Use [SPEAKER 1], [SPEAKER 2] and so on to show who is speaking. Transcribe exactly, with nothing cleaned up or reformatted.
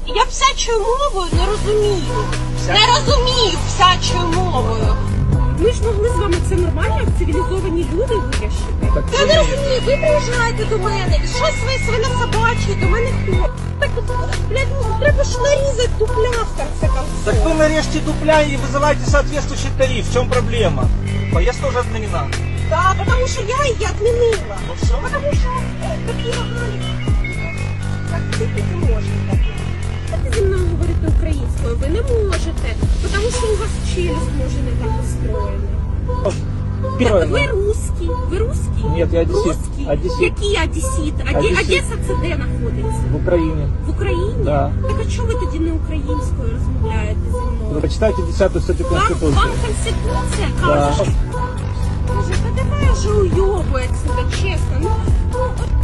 [SPEAKER 1] Я псячою мовою не розумію. Не розумію псячою мовою. Ми ж могли з вами це нормально, як цивілізовані люди вирішити. Я не розумію, ви приїжджаєте до мене, і щось ви свинособачі до мене ходите. Так, блядь, ну, треба ж нарізати дупля в конце концов.
[SPEAKER 2] Так вы нарежьте дупля и вызывайте соответствующий тариф. В чем проблема? Поездка уже отменена.
[SPEAKER 1] Да, потому что я її отменила.
[SPEAKER 2] Ну все.
[SPEAKER 1] Потому что э, такі нагалі. Так, ти не можете. Ви зі мною говорити українською, ви не можете. Тому що у вас челюсть може не так устроєна.
[SPEAKER 2] Первое.
[SPEAKER 1] Ви русский, ви русский?
[SPEAKER 2] Нет, я одессит.
[SPEAKER 1] Русский.
[SPEAKER 2] Одессит.
[SPEAKER 1] Який одесит? Оде...
[SPEAKER 2] Одесит.
[SPEAKER 1] Одеса це де знаходиться?
[SPEAKER 2] В Украине.
[SPEAKER 1] В Україні?
[SPEAKER 2] Да.
[SPEAKER 1] Так а чого ви тоді не українською розмовляєте зі мною?
[SPEAKER 2] Вы почитайте десятую статью
[SPEAKER 1] Вам,
[SPEAKER 2] Конституции.
[SPEAKER 1] вам Конституція
[SPEAKER 2] Да.
[SPEAKER 1] каже, що... Боже, та давай вже уйобується, чесно. Ну, ну, от